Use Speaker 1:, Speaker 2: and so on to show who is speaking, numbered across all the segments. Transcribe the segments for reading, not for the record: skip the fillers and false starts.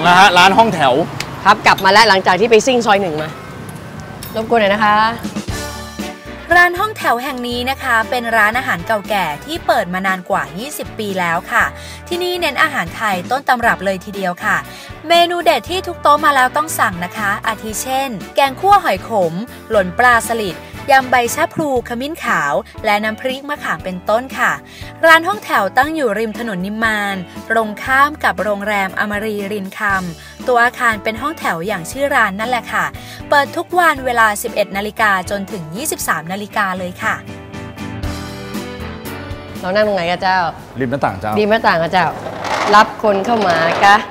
Speaker 1: นะฮะร้านห้องแถว
Speaker 2: ครับกลับมาแล้วหลังจากที่ไปซิ่งซอย1มารบกวนหน่อยนะคะ
Speaker 3: ร้านห้องแถวแห่งนี้นะคะเป็นร้านอาหารเก่าแก่ที่เปิดมานานกว่า20ปีแล้วค่ะที่นี่เน้นอาหารไทยต้นตำรับเลยทีเดียวค่ะเมนูเด็ดที่ทุกโต๊ะมาแล้วต้องสั่งนะคะอาทิเช่นแกงคั่วหอยขมหล่นปลาสลิดยำใบชะพลูขมิ้นขาวและน้ำพริกมะขามเป็นต้นค่ะร้านห้องแถวตั้งอยู่ริมถนนนิมมานตรงข้ามกับโรงแรมอมรีรินคำตัวอาคารเป็นห้องแถวอย่างชื่อร้านนั่นแหละค่ะเปิดทุกวันเวลา 11 นาฬิกาจนถึง 23 นาฬิกาเลยค่ะ
Speaker 2: เรานั่งตรงไหนกันเจ้า
Speaker 1: ริมหน้าต่างเจ้า
Speaker 2: ริมหน้าต่างกันเจ้ารับคนเข้ามากะ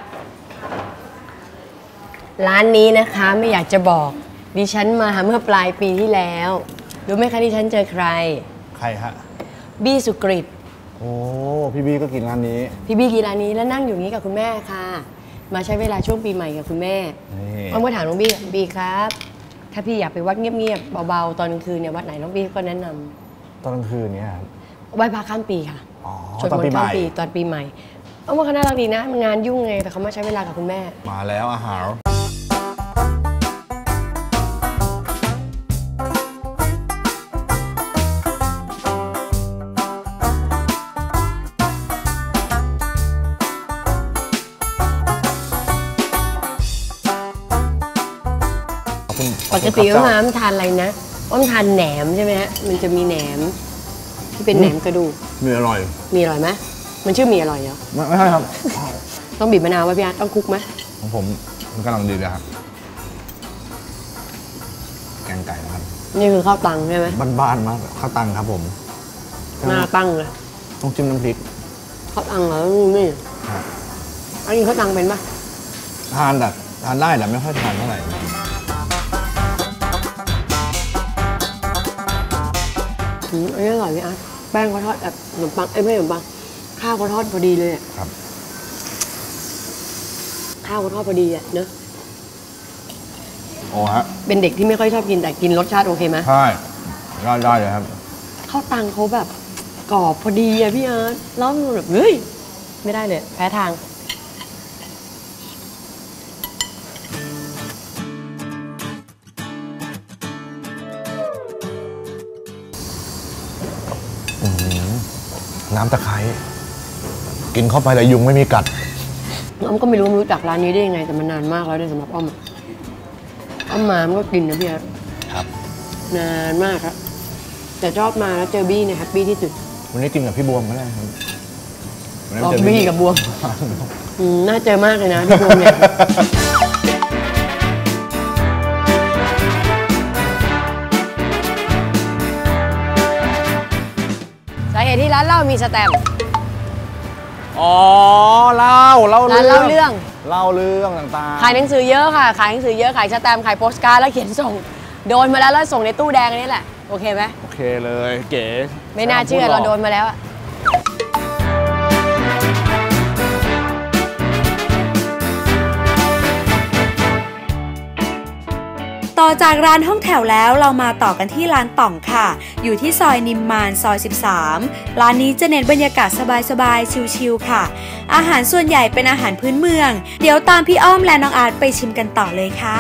Speaker 2: ร้านนี้นะคะไม่อยากจะบอกดิฉันมาเมื่อปลายปีที่แล้วรู้ไหมคะดิฉันเจอใคร
Speaker 1: ฮะ
Speaker 2: บี้สุกฤต
Speaker 1: โอ้พี่บี้ก็กินร้านนี้
Speaker 2: พี่บี้กินร้านนี้แล้วนั่งอยู่นี้กับคุณแม่ค่ะมาใช้เวลาช่วงปีใหม่กับคุณแม่เอามาถามน้องบี้ครับถ้าพี่อยากไปวัดเงียบๆเบาๆตอนกลางคืนเนี่ยวัดไหนน้องบี้ก็แนะน
Speaker 1: ำตอนกลางคืนเนี่ย
Speaker 2: ไหว้พระข้ามปีค่ะ
Speaker 1: ตอนปีใหม่
Speaker 2: ตอนปีใหม่เอาว่าเขาน่ารักดีนะงานยุ่งไงแต่เขามาใช้เวลากับคุณแม่
Speaker 1: มาแล้วอาหาร
Speaker 2: ปกติว่ามันทานอะไรนะว่ามันทานแหนมใช่ไหมฮะมันจะมีแหนมที่เป็นแหนมกระดูก
Speaker 1: มีอร่อย
Speaker 2: ไหมมันชื่อมีอร่อยเหรอ
Speaker 1: ไม่ใช่ครับ
Speaker 2: ต้องบีบมะนาวไว้พี่อาร์ตต้องคลุกไหม
Speaker 1: ของผมมันกำลังดีเลยครับแกงไก่นะครับ
Speaker 2: นี่คือข้าวตังใช่ไหม
Speaker 1: บ้านๆมากข้าวตังครับผม
Speaker 2: หน้าตั้งเลย
Speaker 1: ต้องจิ้มน้ำพริก
Speaker 2: ข้าวตังเหรอนี่อันนี้ข้าวตังเป็นปะ
Speaker 1: ทานได้แต่ไม่ค่อยทานเท่าไหร่
Speaker 2: อันนี้อร่อยพี่อาร์ตแป้งเขาทอดแบบขนมปังไม่ขนมปังข้าวเขาทอดพอดีเลย
Speaker 1: ครับ
Speaker 2: ข้าวเขาทอดพอดีเนอะ
Speaker 1: โอ้ฮะ
Speaker 2: เป็นเด็กที่ไม่ค่อยชอบกินแต่กินรสชาติโอเคไหม
Speaker 1: ใช่ได้เลยครับ
Speaker 2: ข้าวตังเขาแบบกรอบพอดีพี่อาร์ตแล้วแบบเฮ้ยไม่ได้เลยแพ้ทาง
Speaker 1: น้ำตะไคร้กินเข้าไปแต่ยุงไม่มีกัด
Speaker 2: อ้อมก็ไม่รู้จักร้านนี้ได้ยังไงแต่มันนานมากแล้วเนี่ยสำหรับอ้อมมามันก็กินนะพี่
Speaker 1: ครับ
Speaker 2: นานมากครับแต่ชอบมาแล้วเจอบี้เนี่ยแฮปปี้ที่สุด
Speaker 1: วันนี้กินกับพี่บวมก็ได้ครับ
Speaker 2: บี้กับบวมน่าเจอมากเลยนะพี่บวมเนี่ยสาเหตุที่ร้านเหล้ามีสแตมป์
Speaker 1: เล่าเรื่องต่าง
Speaker 2: ๆขายหนังสือเยอะค่ะขายหนังสือเยอะขายสแตมป์ขายโปสการ์ดแล้วเขียนส่งโดนมาแล้วส่งในตู้แดงนี่แหละโอเคไหม
Speaker 1: โอเคเลยเก๋
Speaker 2: ไม่น่าเชื่อเราโดนมาแล้วอะ
Speaker 3: ต่อจากร้านห้องแถวแล้วเรามาต่อกันที่ร้านต่องค่ะอยู่ที่ซอยนิมมานซอย13ร้านนี้จะเน้นบรรยากาศสบายๆชิลๆค่ะอาหารส่วนใหญ่เป็นอาหารพื้นเมืองเดี๋ยวตามพี่อ้อมและน้องอาร์ตไปชิมกันต่อเลยค่ะ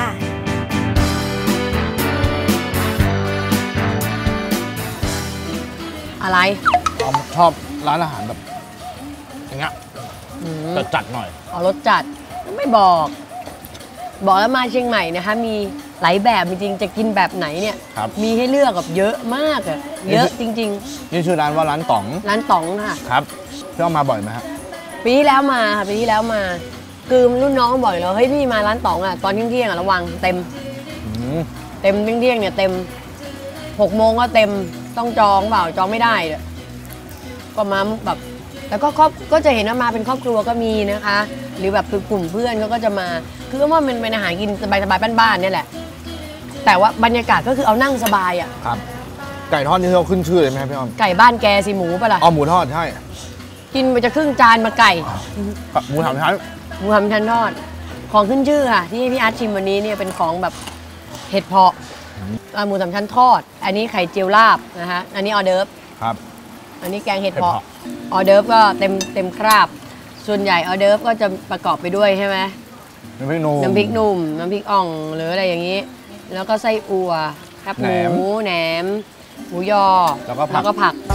Speaker 2: อะไร
Speaker 1: ชอบร้านอาหารแบบอย่างเงี้ยจัดหน่อย
Speaker 2: รสจัดไม่บอกแล้วมาเชียงใหม่นะคะมีหลายแบบจริงๆจะกินแบบไหนเนี่ยมีให้เลือกแบบเยอะมากเยอะจริง
Speaker 1: ๆนี่ชื่อร้านว่าร้านต๋อง
Speaker 2: ค่ะ
Speaker 1: ครับพี่อ้อมมาบ่อยไหมครับ
Speaker 2: ปีที่แล้วมาค่ะปีที่แล้วมาคือรุ่นน้องบ่อยเลยเฮ้ยพี่มาร้านต๋องตอนเที่ยงระวังเต็มเที่ยงเนี่ยเต็ม6 โมงก็เต็มต้องจองเปล่าจองไม่ได้ก็มาแบบแล้วก็จะเห็นว่ามาเป็นครอบครัวก็มีนะคะหรือแบบคือกลุ่มเพื่อนเขาก็จะมาคือว่ามันเป็นอาหารกินสบายๆบ้านๆเนี่ยแหละแต่ว่าบรรยากาศก็คือเอานั่งสบาย
Speaker 1: ครับไก่ทอดนี่เราขึ้นชื่อเลยไหมพี่อ้อม
Speaker 2: ไก่บ้านแกสิหมูปะล่ะ
Speaker 1: หมูทอดใช่
Speaker 2: กินไปจะครึ่งจานมาไก่
Speaker 1: หมูสามชั้
Speaker 2: นทอดของขึ้นชื่อค่ะที่พี่อาร์ตชิมวันนี้เนี่ยเป็นของแบบเห็ดเพาะหมู3 ชั้นทอดอันนี้ไข่เจียวลาบนะคะอันนี้ออเดิร์ฟ
Speaker 1: ครับ
Speaker 2: อันนี้แกงเห็ดเพาะออเดิร์ฟก็เต็มคราบส่วนใหญ่ออเดิร์ฟก็จะประกอบไปด้วยใช่ไหม
Speaker 1: น้ำพริกหนุ่ม
Speaker 2: น้ำพริกหนุ่มน้ำพริกอ่องหรืออะไรอย่างนี้ แล้วก็ไส้อั่วแคบหมูแหนมหมูยอแล้วก็ผัก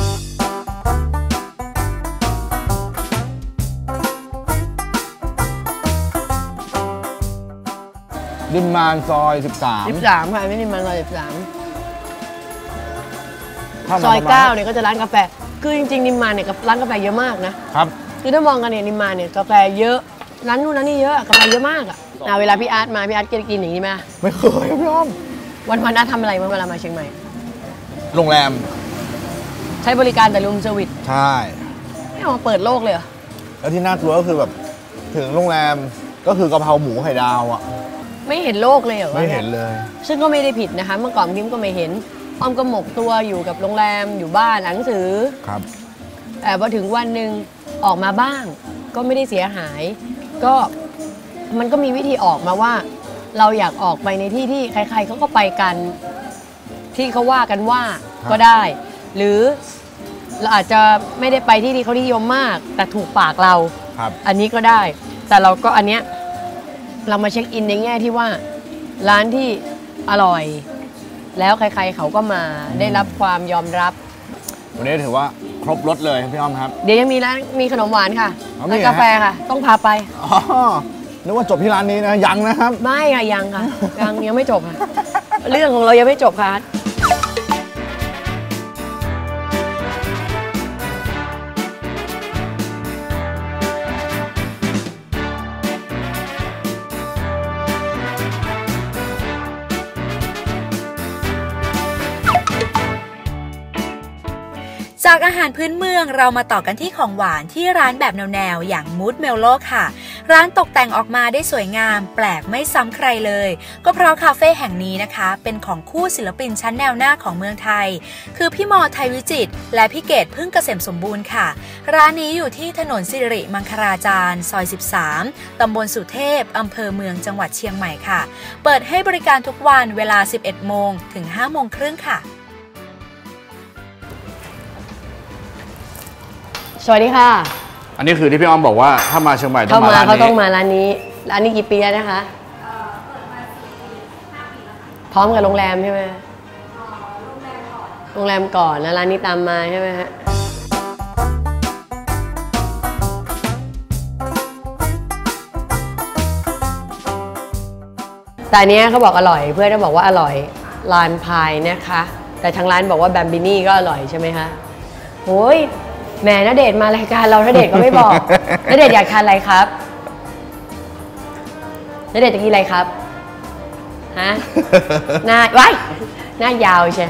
Speaker 1: ดินมานซอย13
Speaker 2: ค่ะไม่นิมมานซอย13ซอย 9เนี่ยก็จะร้านกาแฟคือจริงๆนิมมานเนี่ยร้านกาแฟเยอะมากนะครับคือถ้ามองกันเนี่ยนิมมานเนี่ยกาแฟเยอะร้านนู้นร้านนี้เยอะกาแฟเยอะมากอ่ะเวลาพี่อาร์ตมาพี่อาร์ตกินอย่างนี้ไหม
Speaker 1: ไม่เคยพี่อ้อม
Speaker 2: วันอาร์ตทำอะไรเวลามาเชียงใหม่
Speaker 1: โรงแรม
Speaker 2: ใช้บริการแต่รูมเซอร์วิส
Speaker 1: ใช่
Speaker 2: ไม่เอามาเปิดโลกเลยเหรอ
Speaker 1: แล้วที่น่ากลัวก็คือแบบถึงโรงแรมก็คือกะเพราหมูไข่ดาวอ่ะ
Speaker 2: ไม่เห็นโลกเลยเหรอ
Speaker 1: ไม่เห็นเลย
Speaker 2: ซึ่งก็ไม่ได้ผิดนะคะเมื่อก่อนพิมก็ไม่เห็นอ้อมก็หมกตัวอยู่กับโรงแรมอยู่บ้านหนังสือ
Speaker 1: ครับ
Speaker 2: แต่พอถึงวันหนึ่งออกมาบ้างก็ไม่ได้เสียหายก็มันก็มีวิธีออกมาว่าเราอยากออกไปในที่ที่ใครๆเขาก็ไปกันที่เขาว่ากันว่าก็ได้หรือเราอาจจะไม่ได้ไปที่ที่เขานิยมมากแต่ถูกปากเราอันนี้ก็ได้แต่เราก็อันเนี้ยเรามาเช็คอินในแง่ที่ว่าร้านที่อร่อยแล้วใครๆเขาก็มาได้รับความยอมรับ
Speaker 1: วันนี้ถือว่าครบรสเลยพี่อ้อมครับ
Speaker 2: เดี๋ยวยังมีร้านมีขนมหวานค่ะและกาแฟค่ะต้องพาไป
Speaker 1: นึกว่าจบที่ร้านนี้นะยังนะครับ
Speaker 2: ไม่ค่ะยังค่ะยังไม่จบค่ะเรื่องของเรายังไม่จบค่ะ
Speaker 3: จากอาหารพื้นเมืองเรามาต่อกันที่ของหวานที่ร้านแบบแนวๆอย่างมูดเมลโลค่ะร้านตกแต่งออกมาได้สวยงามแปลกไม่ซ้ำใครเลยก็เพราะคาเฟ่แห่งนี้นะคะเป็นของคู่ศิลปินชั้นแนวหน้าของเมืองไทยคือพี่มอไทยวิจิตรและพี่เกดพึ่งเกษมสมบูรณ์ค่ะร้านนี้อยู่ที่ถนนสิริมังคลาจารย์ซอย13ตำบลสุเทพอำเภอเมืองจังหวัดเชียงใหม่ค่ะเปิดให้บริการทุกวันเวลา 11 โมงถึง 5 โมงครึ่งค่ะ
Speaker 2: สวัสดีค่ะ
Speaker 1: อันนี้คือที่พี่อ้อมบอกว่าถ้ามาเชียงใหม่ต้องมาร้านนี้
Speaker 2: เขาต้องมาร้านนี้กี่ปีแล้วนะคะพร้อมกับโรงแรมใช่ไหมโรงแรมก่อนแล้วร้านนี้ตามมาใช่ไหมฮะแต่อันนี้เขาบอกอร่อยเพื่อนเขาบอกว่าอร่อยลานพายนะคะแต่ทางร้านบอกว่าแบมบินี่ก็อร่อยใช่ไหมคะโอ้ยแม่ณเดชน์มารายการเราณเดชน์ก็ไม่บอกณเดชน์อยากทานอะไรครับณเดชน์จะกินอะไรครับฮะหน้าว้ายหน้ายาวใช่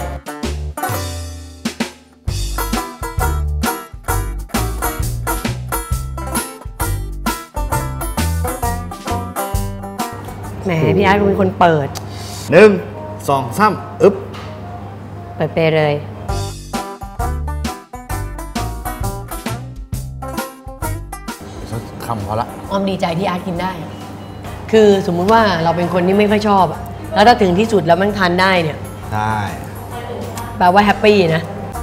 Speaker 2: แหมพี่อาร์ตเป็นคนเปิด
Speaker 1: 1 2 3อึ๊บ
Speaker 2: เปิดไปเลย
Speaker 1: คำพอละ
Speaker 2: อ้อมดีใจที่อาร์ตกินได้คือสมมุติว่าเราเป็นคนที่ไม่ค่อยชอบแล้วถ้าถึงที่สุดแล้วมันทานได้เนี่ย
Speaker 1: ได้
Speaker 2: แปลว่าแฮปปี้นะ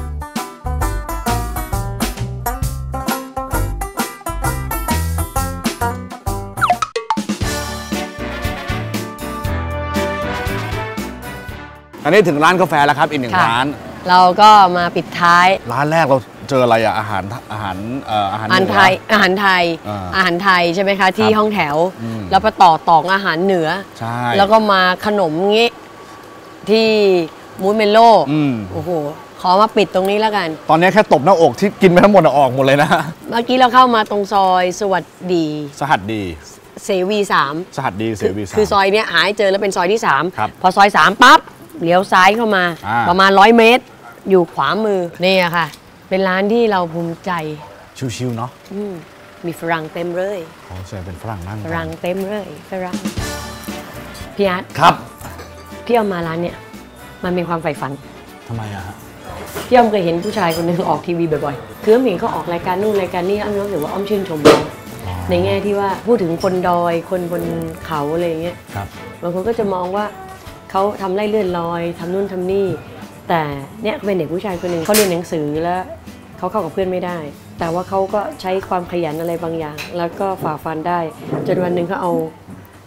Speaker 1: อันนี้ถึงร้านกาแฟแล้วครับอีก1ร้าน
Speaker 2: เราก็มาปิดท้าย
Speaker 1: ร้านแรกเราเจออะไรอาหาร
Speaker 2: ไทยอาหารไทยใช่ไหมคะที่ห้องแถวแล้วไปต่ออาหารเหนือ
Speaker 1: ใช่
Speaker 2: แล้วก็มาขนมงี้ที่มูสเมลโลโอ้โหขอมาปิดตรงนี้แล้วกัน
Speaker 1: ตอนนี้แค่ตบหน้าอกที่กินไปทั้งหมดออกหมดเลยนะ
Speaker 2: เมื่อกี้เราเข้ามาตรงซอยสวัสดีเสวี3
Speaker 1: สหัสดีเสวี3
Speaker 2: คือซอยเนี้ยหายเจอแล้วเป็นซอยที่3พอซอย3ปั๊บเลี้ยวซ้ายเข้ามาประมาณ100 เมตรอยู่ขวามือนี่ค่ะเป็นร้านที่เราภูมิใจ
Speaker 1: ชิวๆเนาะ
Speaker 2: มีฝรั่งเต็มเลย
Speaker 1: ใช่เป็นฝรั่งนั่ง
Speaker 2: ฝรั่งเต็มเลยฝรั่งพี่อาร์ต
Speaker 1: ครับ
Speaker 2: พี่เอามาร้านเนี่ยมันเป็นความใฝ่ฝัน
Speaker 1: ทำไมอะฮะ
Speaker 2: พี่อ้อมเคยเห็นผู้ชายคนหนึ่งออกทีวีบ่อยๆคืออ้อมเห็นเขาออกรายการนู่นรายการนี้อ้อมรู้สึกว่าอ้อมชื่นชมเขาในแง่ที่ว่าพูดถึงคนดอยคนบนเขาอะไรอย่างเงี้ยบางคนก็จะมองว่าเขาทำไร่เลื่อนลอยทำนู่นทำนี่แต่เนี่ยเป็นเด็กผู้ชายคนหนึ่งเขาเรียนหนังสือแล้วเขาเข้ากับเพื่อนไม่ได้แต่ว่าเขาก็ใช้ความขยันอะไรบางอย่างแล้วก็ฝ่าฟันได้จนวันหนึ่งเขาเอา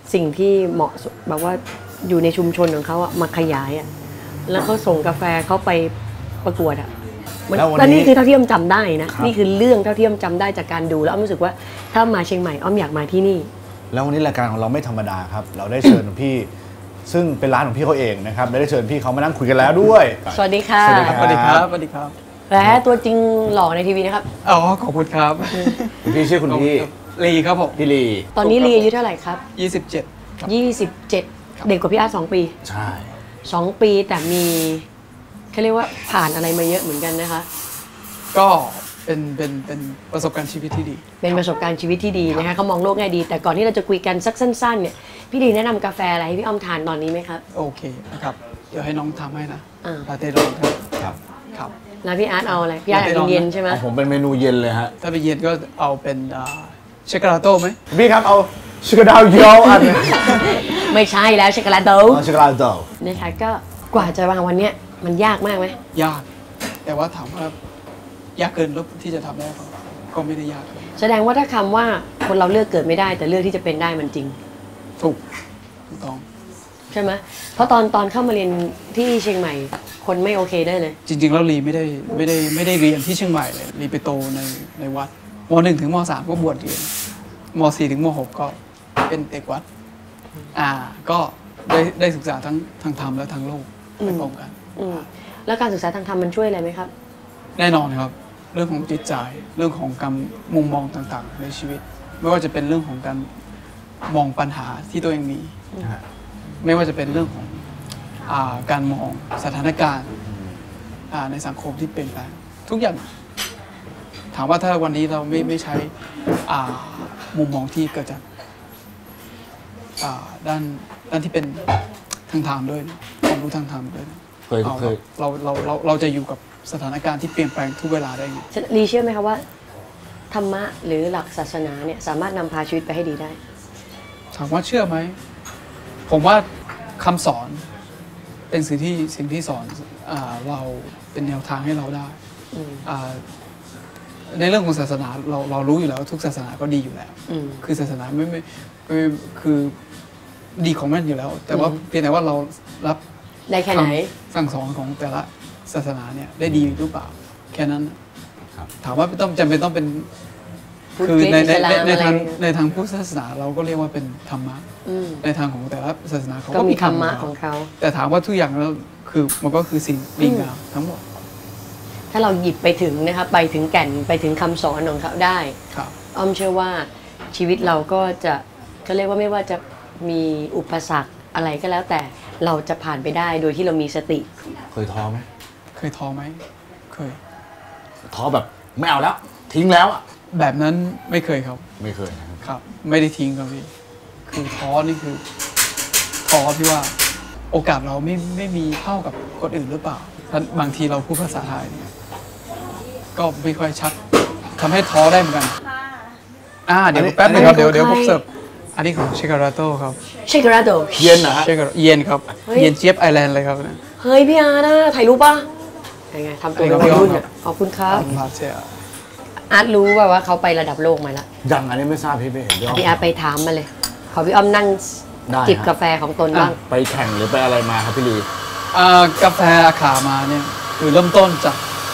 Speaker 2: สิ่งที่เหมาะสมแบบว่าอยู่ในชุมชนของเขาอะมาขยายอะแล้วเขาส่งกาแฟเขาไปประกวดอะแล้วนี่คือเท่าที่อ้อมจำได้นะนี่คือเรื่องเท่าที่อ้อมจำได้จากการดูแล้วอ้อมรู้สึกว่าถ้ามาเชียงใหม่อ้อมอยากมาที่นี่
Speaker 1: แล้ววันนี้รายการของเราไม่ธรรมดาครับเราได้เชิญพี่ซึ่งเป็นร้านของพี่เขาเองนะครับได้เชิญพี่เขามานั่งคุยกันแล้วด้วย
Speaker 2: สวัสดีค่ะ
Speaker 1: สวัสดีครับ
Speaker 4: สวัสดีครับสวัสดีครับ
Speaker 2: และตัวจริงหล่อในทีวีนะครับ
Speaker 4: อ๋อขอบคุณครับ
Speaker 1: คุณพี่ชื่อคุณพี่
Speaker 4: ลีครับผม
Speaker 1: พี่ลี
Speaker 2: ตอนนี้ลีอายุเท่าไหร่ครับ
Speaker 4: 27 ครับ
Speaker 2: 27เด็กกว่าพี่อาร์ต2 ปี
Speaker 1: ใช่
Speaker 2: 2 ปีแต่มีเขาเรียกว่าผ่านอะไรมาเยอะเหมือนกันนะคะ
Speaker 4: ก็เป็นประสบการณ์ชีวิตที่ดี
Speaker 2: เป็นประสบการณ์ชีวิตที่ดีนะคะเขามองโลกแง่ดีแต่ก่อนที่เราจะคุยกันสักสั้นๆเนี่ยพี่ลีแนะนำกาแฟอะไรให้พี่อ้อมทานตอนนี้ไหมครับ
Speaker 4: โอเคนะครับเดี๋ยวให้น้องทำให้นะลาเต้
Speaker 1: ร้
Speaker 4: อน
Speaker 1: ครับ
Speaker 4: ครับ
Speaker 2: แล้วพี่อาร์ตเอาอะไรพี่อาร์ตเย็นใช่ไหม
Speaker 1: ผมเป็นเมนูเย็นเลยฮะ
Speaker 4: ถ้าเป็นเย็นก็เอาเป็นเชคกาลาโต้ไหม
Speaker 1: พี่ครับเอาชิคาดาวเยลอัน
Speaker 2: ไม่ใช่แล้วช็อกโกแลตโด
Speaker 1: ช็อกโกแลตโด
Speaker 2: นะคะก็กว่าจะวางวันเนี้ยมันยากมากไหม
Speaker 4: ยากแต่ว่าถามว่ายากเกินแล้วที่จะทำได้ก็ไม่ได้ยาก
Speaker 2: แสดงว่าถ้าคำว่าคนเราเลือกเกิดไม่ได้แต่เลือกที่จะเป็นได้มันจริง
Speaker 4: ถูกต้อง
Speaker 2: ใช่ไหมเพราะตอนเข้ามาเรียนที่เชียงใหม่คนไม่โอเคได้เลย
Speaker 4: จริงๆแล้วลีไม่ได้เรียนที่เชียงใหม่เลยลีไปโตในวัดม.1 ถึงม.3 ก็บวชเรียนม.4 ถึงม.6 ก็เป็นเด็กวัดก็ได้ศึกษาทั้งทางธรรมและทางโลกไปพร้อมกัน
Speaker 2: แล้วการศึกษาทางธรรมมันช่วยอะไรไหมครับ
Speaker 4: แน่นอนครับเรื่องของจิตใจเรื่องของการมุมมองต่างๆในชีวิตไม่ว่าจะเป็นเรื่องของการมองปัญหาที่ตัวเองมีไม่ว่าจะเป็นเรื่องของการมองสถานการณ์ในสังคมที่เปลี่ยนแปลงทุกอย่างถามว่าถ้าวันนี้เราไม่ใช้มุมมองที่เกิดจากด้านที่เป็นทางธรรมด้วยความรู้ทางธรรมด้วยเราจะอยู่กับสถานการณ์ที่เปลี่ยนแปลงทุกเวลาได้ไง
Speaker 2: ลีเชื่อไหมคะว่าธรรมะหรือหลักศาสนาเนี่ยสามารถนำพาชีวิตไปให้ดีได้
Speaker 4: ถามว่าเชื่อไหมผมว่าคำสอนเป็นสิ่งที่สอนเราเป็นแนวทางให้เราได้ในเรื่องของศาสนาเรารู้อยู่แล้วทุกศาสนาก็ดีอยู่แล้วคือศาสนาไม่คือดีของมันอยู่แล้วแต่ว่าเพียงแต่ว่าเรารับ
Speaker 2: ได้แค่ไหน
Speaker 4: สั่งสอนของแต่ละศาสนาเนี่ยได้ดีหรือเปล่าแค่นั้นถามว่าต้องจำเป็นต้องเป็นคือในทางพุทธศาสนาเราก็เรียกว่าเป็นธรรมะในทางของแต่ละศาสนาเขาก็มี
Speaker 2: ธรรมะของเขา
Speaker 4: แต่ถามว่าทุกอย่างแล้วคือมันก็คือสิ่งดีงามทั้งหมด
Speaker 2: ถ้าเราหยิบไปถึงนะครับไปถึงแก่นไปถึงคำสอนของเขาได้อ้อมเชื่อว่าชีวิตเราก็จะเขาเรียกว่าไม่ว่าจะมีอุปสรรคอะไรก็แล้วแต่เราจะผ่านไปได้โดยที่เรามีสติ
Speaker 1: เคยท้อไหม
Speaker 4: เคยท้อไหมเคย
Speaker 1: ท้อแบบไม่เอาแล้วทิ้งแล้ว
Speaker 4: แบบนั้นไม่เคยครับ
Speaker 1: ไม่เคย
Speaker 4: ครับไม่ได้ทิ้งครับพี่คือท้อนี่คือท้อที่ว่าโอกาสเราไม่มีเท่ากับคนอื่นหรือเปล่าบางทีเราพูดภาษาไทยก็ไม่ค่อยชัดทำให้ท้อได้เหมือนกันเดี๋ยวแป๊บนึงครับเดี๋ยวผมเสิร์ฟอันนี้ของเชคาราโต้ครับ
Speaker 2: เชคาราโต้
Speaker 1: เย็นนะ
Speaker 4: เย็นครับเย็นเจี๊ยบไอแลนด์เลยครับ
Speaker 2: เฮ้ยพี่อาร์นะถ่ายรูปป่ะยังไงทำตัวเป็นวัยรุ่นขอบคุณครับอาร์ตรู้ว่าเขาไประดับโลกมาแล้ว
Speaker 1: ยังอันนี้ไม่ทราบพี่ไม่เห็น
Speaker 2: พี่อาร์ตไปถามมาเลยขอพี่อ้อมนั่งจิบกาแฟของตนบ้าง
Speaker 1: ไปแข่งหรือไปอะไรมาครับพี่ลี
Speaker 4: กาแฟอาขามาเนี่ยคือเริ่มต้นจาก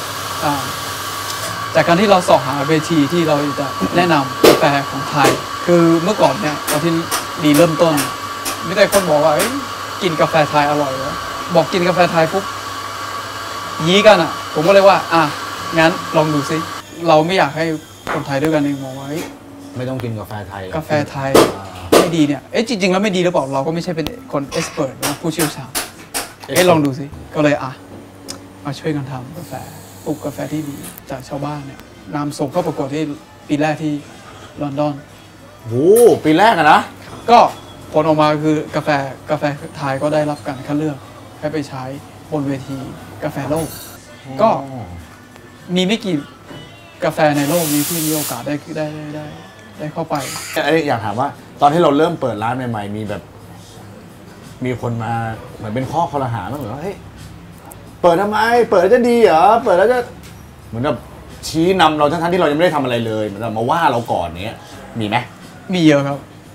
Speaker 4: การที่เราสอบหาเวทีที่เราจะแนะนำกาแฟของไทยคือเมื่อก่อนเนี่ยตอนที่ลีเริ่มต้นไม่ได้คนบอกว่ากินกาแฟไทยอร่อยแล้วบอกกินกาแฟไทยปุ๊บยี้กันผมก็เลยว่างั้นลองดูซิเราไม่อยากให้คนไทยด้วยกันเองมองว่า
Speaker 1: ไม่ต้องกินกาแฟไทย
Speaker 4: กาแฟไทยไม่ดีเนี่ยจริงๆแล้วไม่ดีหรือเปล่าเราก็ไม่ใช่เป็นคนเอ็กซ์เพรสนะผู้เชี่ยวชาญลองดูซิก็เลยมาช่วยกันทำกาแฟปลูกกาแฟที่ดีจากชาวบ้านเนี่ยนำส่งเข้าประกวดที่ปีแรกที่ลอนดอน
Speaker 1: โอ้ปีแรกนะ
Speaker 4: ก็ผลออกมาคือกาแฟไทยก็ได้รับการคัดเลือกให้ไปใช้บนเวทีกาแฟโลกก็มีไม่กี่กาแฟในโลกนี้ที่มีโอกาสได้เข้าไป
Speaker 1: อยากถามว่าตอนที่เราเริ่มเปิดร้านใหม่ๆมีคนมาเหมือนเป็นข้อคอรหาเหมือนว่าเฮ้ยเปิดทำไมเปิดแล้วจะดีเหรอเปิดแล้วจะเหมือนแบบชี้นำเราทั้งที่เรายังไม่ได้ทำอะไรเลยเหมือนแบบมาว่าเราก่อนเนี้ยมีไหม
Speaker 4: มีเยอะครับจ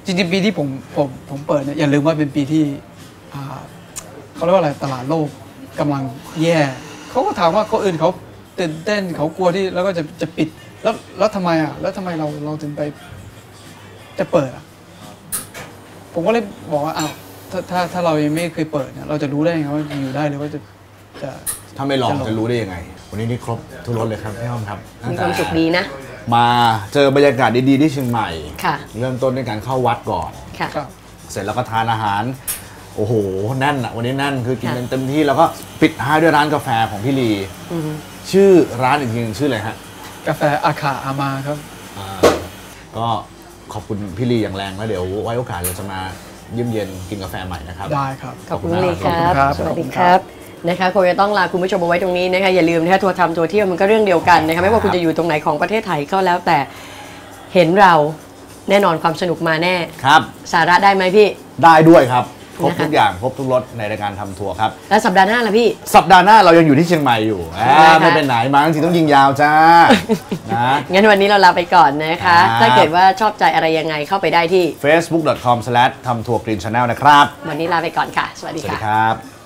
Speaker 4: จริงๆปีที่ผมเปิดเนี่ยอย่าลืมว่าเป็นปีที่เขาเรียกว่าอะไรตลาดโลกกำลังแย่เขาก็ถามว่าคนอื่นเขาตื่นเต้นเขากลัวที่แล้วก็จะปิดแล้วทำไมอ่ะแล้วทำไมเราถึงไปจะเปิดอ่ะผมก็เลยบอกว่าอ้าวถ้าเรายังไม่เคยเปิดเนี่ยเราจะรู้ได้ยังไงว่าจะอยู่ได้หรือว่าจะ
Speaker 1: ถ้าไม่ลองจะรู้ได้ยังไงวันนี้นี่ครบทุกรสเลยครับพี่อ้อมครับ
Speaker 2: มีความสุขดีนะ
Speaker 1: มาเจอบรรยากาศดีๆที่เชียงใหม่
Speaker 2: ค่ะ
Speaker 1: เริ่มต้นด้วยการเข้าวัดก่อน
Speaker 2: ค่ะ
Speaker 4: ครับ
Speaker 1: เสร็จแล้วก็ทานอาหารโอ้โหแน่นอะวันนี้แน่นคือกินกันเต็มที่แล้วก็ปิดท้ายด้วยร้านกาแฟของพี่ลีชื่อร้านอีกทีนึงชื่ออะไรฮะ
Speaker 4: กาแฟอาคาอามาครับ
Speaker 1: ก็ขอบคุณพี่ลีอย่างแรงแล้วเดี๋ยวไว้โอกาสเราจะมาเยี่ยมเยียนกินกาแฟใหม่นะครับ
Speaker 4: ได้ครับ
Speaker 2: ขอบคุณลีค
Speaker 4: ขอบ
Speaker 2: รั
Speaker 4: คุณครับ บ
Speaker 2: สวัสดีครับนะคะคงจะต้องลาคุณผู้ชมเอาไว้ตรงนี้นะคะอย่าลืมนะคะทัวร์ทำทัวร์เที่ยวมันก็เรื่องเดียวกันนะคะไม่ว่าคุณจะอยู่ตรงไหนของประเทศไทยก็แล้วแต่เห็นเราแน่นอนความสนุกมาแน่
Speaker 1: ครับ
Speaker 2: สาระได้ไหมพี่
Speaker 1: ได้ด้วยครับครบ
Speaker 2: นะคะ
Speaker 1: ทุกอย่างครบทุกรสในรายการทำทัวร์ครับ
Speaker 2: แล้วสัปดาห์หน้าล่ะพี่
Speaker 1: สัปดาห์หน้าเรายังอยู่ที่เชียงใหม่อยู่
Speaker 2: นะคะ
Speaker 1: ไม่เป็นไหนมาทั้งทีต้องยิงยาวจ้า นะ
Speaker 2: งั้นวันนี้เราลาไปก่อนนะคะ
Speaker 1: ครับ
Speaker 2: ถ้าเกิดว่าชอบใจอะไรยังไงเข้าไปได้ที่
Speaker 1: facebook.com/ทำทัวร์กรีนชาแนลนะครับ
Speaker 2: วันนี้ลาไปก่อนค่ะ สวัสดี
Speaker 1: สวัสดี
Speaker 2: ค่ะ
Speaker 1: ครับ